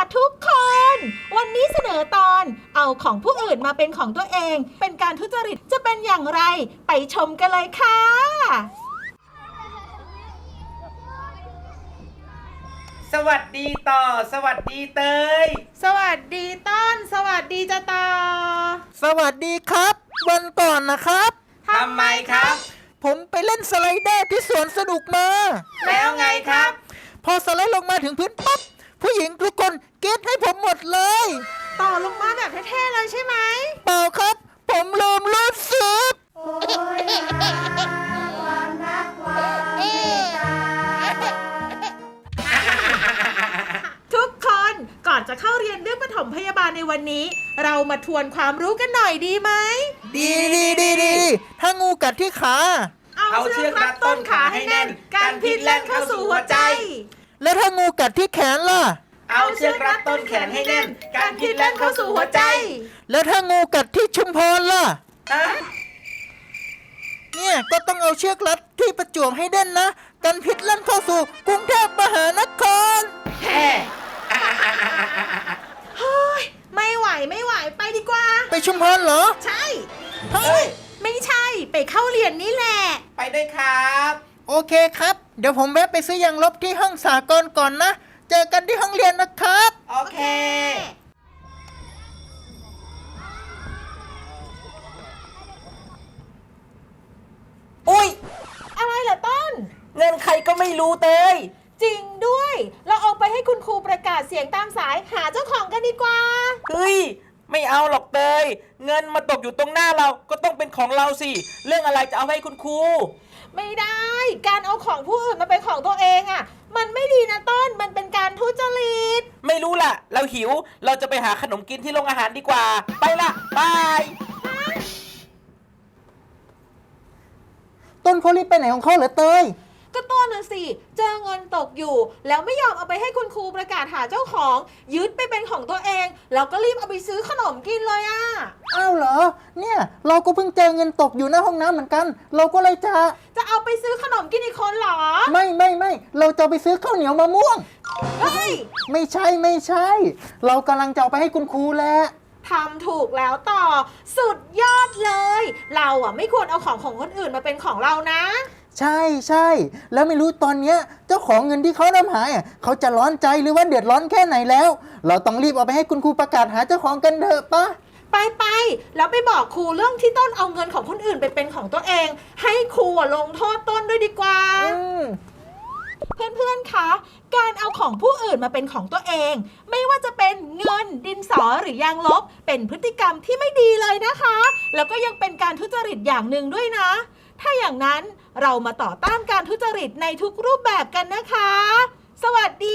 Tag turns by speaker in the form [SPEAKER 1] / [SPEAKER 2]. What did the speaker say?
[SPEAKER 1] ทุกคน วันนี้เสนอตอนเอาของผู้อื่นมาเป็นของตัวเองเป็นการทุจริตจะเป็นอย่างไรไปชมกันเลยค่ะ
[SPEAKER 2] สวัสดีต่อสวัสดีเตย
[SPEAKER 1] สวัสดีต้นสวัสดีจะต่อ
[SPEAKER 3] สวัสดีครับวันก่อนนะครับ
[SPEAKER 2] ทำไมครับ
[SPEAKER 3] ผมไปเล่นสไลเดอร์ที่สวนสนุกมา
[SPEAKER 2] แล้วไงครับ
[SPEAKER 3] พอสไลด์ลงมาถึงพื้นปั๊บผู้หญิงทุกคนเกรดให้ผมหมดเลย
[SPEAKER 1] ต่อลงมาแบบเท่ๆเลยใช่ไหม
[SPEAKER 3] เปล่าครับผมลืมรูดซิป
[SPEAKER 1] ทุกคนก่อนจะเข้าเรียนเรื่องปฐมพยาบาลในวันนี้เรามาทวนความรู้กันหน่อยดีไหม
[SPEAKER 3] ดีถ้างูกัดที่ขา
[SPEAKER 2] เอาเชือกรัดต้นขาให้แน่นกันพิษแล่นเข้าสู่หัวใจ
[SPEAKER 3] แล้วถ้างูกัดที่แขนล่ะ
[SPEAKER 2] เอาเชือกรัดต้นแขนให้แน่นกันพิษแล่นเข้าสู่หัวใจ
[SPEAKER 3] แล้วถ้างูกัดที่ชุมพรล่ะเนี่ยก็ต้องเอาเชือกรัดที่ประจวบให้แน่นนะกันพิษแล่นเข้าสู่กรุงเทพมหานคร
[SPEAKER 2] แฮ่
[SPEAKER 1] เฮ้ยไม่ไหวไปดีกว่า
[SPEAKER 3] ไปชุมพรเหรอ
[SPEAKER 1] ใช่เฮ้ยไม่ใช่ไปเข้าเรียนนี่แหละ
[SPEAKER 2] ไปด้วยครับ
[SPEAKER 3] โอเคครับเดี๋ยวผมแวะไปซื้อยางลบที่ห้องสากลก่อนนะเจอกันที่ห้องเรียนนะครับ
[SPEAKER 2] โอเคอุ้ย
[SPEAKER 1] อะไรเหรอต้น
[SPEAKER 2] เงินใครก็ไม่รู้เตย
[SPEAKER 1] จริงด้วยเราเอาไปให้คุณครูประกาศเสียงตามสายหาเจ้าของกันดีกว่า
[SPEAKER 2] เฮ้ยไม่เอาหรอกเตยเงินมาตกอยู่ตรงหน้าเราก็ต้องเป็นของเราสิเรื่องอะไรจะเอาให้คุณครู
[SPEAKER 1] ไม่ได้การเอาของผู้อื่นมาเป็นของตัวเองอ่ะมันไม่ดีนะต้นมันเป็นการทุจริต
[SPEAKER 2] ไม่รู้ล่ะเราหิวเราจะไปหาขนมกินที่โรงอาหารดีกว่าไปละบาย
[SPEAKER 3] ต้นเขารีบไปไหนของเขาเหรอเตย
[SPEAKER 1] ก็ต้นน่ะสิเจอเงินตกอยู่แล้วไม่ยอมเอาไปให้คุณครูประกาศหาเจ้าของยึดไปเป็นของตัวเองแล้วก็รีบเอาไปซื้อขนมกินเลยอ่ะ
[SPEAKER 3] อ้าวเหรอเนี่ยเราก็เพิ่งเจอเงินตกอยู่หน้าห้องน้ำเหมือนกันเราก็เลยจะ
[SPEAKER 1] เอาไปซื้อขนมกินอีกคนเหรอ
[SPEAKER 3] ไม่เราจะไปซื้อข้าวเหนียวมะม่วง
[SPEAKER 1] เฮ้ย
[SPEAKER 3] ไม่ใช่เรากำลังจะเอาไปให้คุณครูแหละ
[SPEAKER 1] ทำถูกแล้วต่อสุดยอดเลยเราอ่ะไม่ควรเอาของคนอื่นมาเป็นของเรานะ
[SPEAKER 3] ใช่แล้วไม่รู้ตอนเนี้ยเจ้าของเงินที่เขานำหายเขาจะร้อนใจหรือว่าเดือดร้อนแค่ไหนแล้วเราต้องรีบเอาไปให้คุณครูประกาศหาเจ้าของกันเถอะปะ
[SPEAKER 1] ไปแล้วไปบอกครูเรื่องที่ต้นเอาเงินของคนอื่นไปเป็นของตัวเองให้ครูลงโทษต้นด้วยดีกว่าเพื่อนๆคะการเอาของผู้อื่นมาเป็นของตัวเองไม่ว่าจะเป็นเงินดินสอหรือยางลบเป็นพฤติกรรมที่ไม่ดีเลยนะคะแล้วก็ยังเป็นการทุจริตอย่างหนึ่งด้วยนะถ้าอย่างนั้นเรามาต่อต้านการทุจริตในทุกรูปแบบกันนะคะสวัสดี